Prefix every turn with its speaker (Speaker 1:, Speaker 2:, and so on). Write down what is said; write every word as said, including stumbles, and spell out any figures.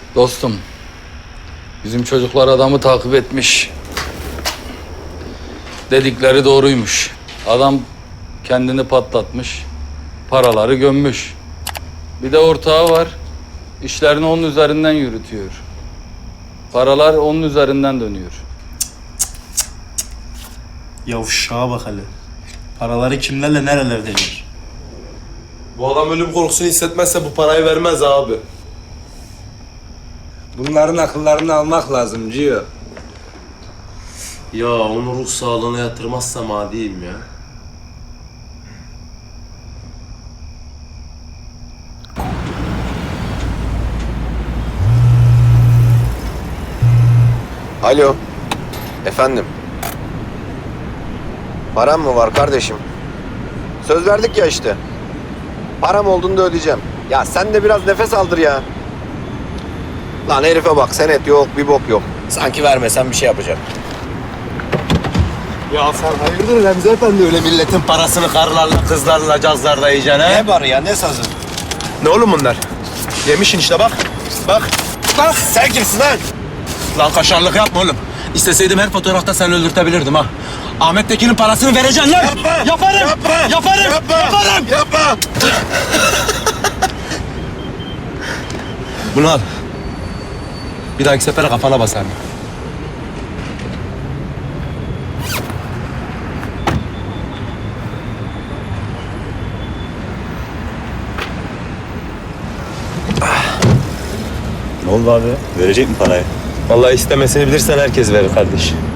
Speaker 1: Dostum, bizim çocuklar adamı takip etmiş. Dedikleri doğruymuş. Adam kendini patlatmış, paraları gömmüş. Bir de ortağı var, işlerini onun üzerinden yürütüyor. Paralar onun üzerinden dönüyor.
Speaker 2: Yavşağa bak hele. Paraları kimlerle nerelerde yer?
Speaker 3: Bu adam ölüm korkusunu hissetmezse bu parayı vermez abi.
Speaker 4: Bunların akıllarını almak lazım Cio.
Speaker 3: Ya onu ruh sağlığına yatırmazsam adiyim ya.
Speaker 5: Alo. Efendim. Param mı var kardeşim? Söz verdik ya işte. Param olduğunda ödeyeceğim. Ya sen de biraz nefes aldır ya. Lan herife bak, senet yok, bir bok yok. Sanki vermesen bir şey yapacak.
Speaker 4: Ya sen hayırdır Remzi Efendi, öyle milletin
Speaker 3: Parasını karlarla, kızlarla, cazlarla yiyeceksin he?
Speaker 4: ne var ya, ne sazı?
Speaker 3: Ne oğlum bunlar? Yemişin işte bak. Bak.
Speaker 5: Bak sen kimsin lan?
Speaker 3: Lan kaşarlık yapma oğlum. İsteseydim her fotoğrafta seni öldürtebilirdim ha. Ahmet Tekin'in parasını vereceksin lan.
Speaker 5: Yapma.
Speaker 3: Yaparım.
Speaker 5: Yapma.
Speaker 3: Yaparım.
Speaker 5: Yapma.
Speaker 3: Yaparım.
Speaker 5: Yapma.
Speaker 3: Bunu al. Bir dahaki sefere kafana basarım.
Speaker 2: Ne oldu abi? Verecek mi parayı?
Speaker 3: Vallahi istemesini bilirsen herkes verir kardeş.